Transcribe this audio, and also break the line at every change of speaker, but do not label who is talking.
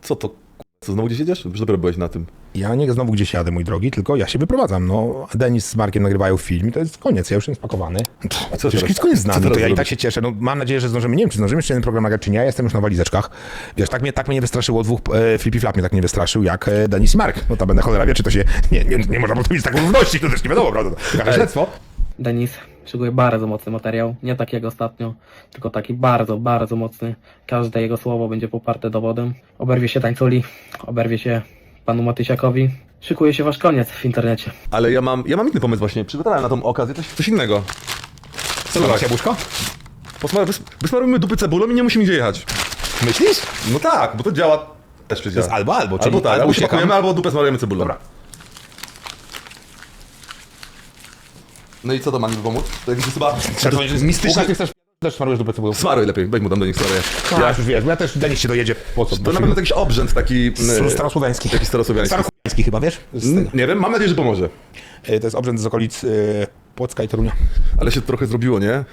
Co to? Co, znowu gdzieś jedziesz? Już dopiero byłeś na tym.
Ja nie znowu gdzieś jadę, mój drogi, tylko ja się wyprowadzam. No, Denis z Markiem nagrywają film i to jest koniec, ja już jestem spakowany.
co
Przecież
teraz?
jest koniec z
Co
nami,
teraz
to ja i
zrobisz?
tak się cieszę. No, mam nadzieję, że zdążymy. Nie wiem, czy zdążymy jeszcze jeden program nagrać, czy nie. Ja jestem już na walizeczkach. Wiesz, tak mnie nie wystraszyło dwóch, Flippy Flap mnie tak nie wystraszył, jak Denis i Mark. No ta będę cholera wie, czy to się, nie można postawić taką równości, to też nie wiadomo, prawda? Trochę śledztwo.
Denis szykuje bardzo mocny materiał, nie tak jak ostatnio, tylko taki bardzo, bardzo mocny. Każde jego słowo będzie poparte dowodem. Oberwie się tańculi, oberwie się panu Matysiakowi. Szykuje się wasz koniec w internecie.
Ale ja mam inny pomysł właśnie. Przygotowałem na tą okazję coś innego.
Co masz, jabłuszko?
Wysmarujmy dupy cebulą i nie musimy gdzie jechać.
Myślisz?
No tak, bo to działa. Też przecież
To jest
działa.
albo, czyli
Albo tak, albo
uciekam.
pakujemy, albo dupę smarujemy cebulą.
Dobra.
No i co to ma mi pomóc? To jakiś chyba...
Mistyczna, ty chcesz też smarujesz do cebulą.
Smaruj lepiej, weź mu tam do nich smaruję.
Ja już wiesz, bo ja też Denis się dojedzie po co?
To na pewno jakiś obrzęd taki...
Starosłowiański.
Jakiś starosłowiański.
Starosłowiański chyba, wiesz?
Nie wiem, mam nadzieję, że pomoże.
To jest obrzęd z okolic Płocka i Torunia.
Ale się trochę zrobiło, nie?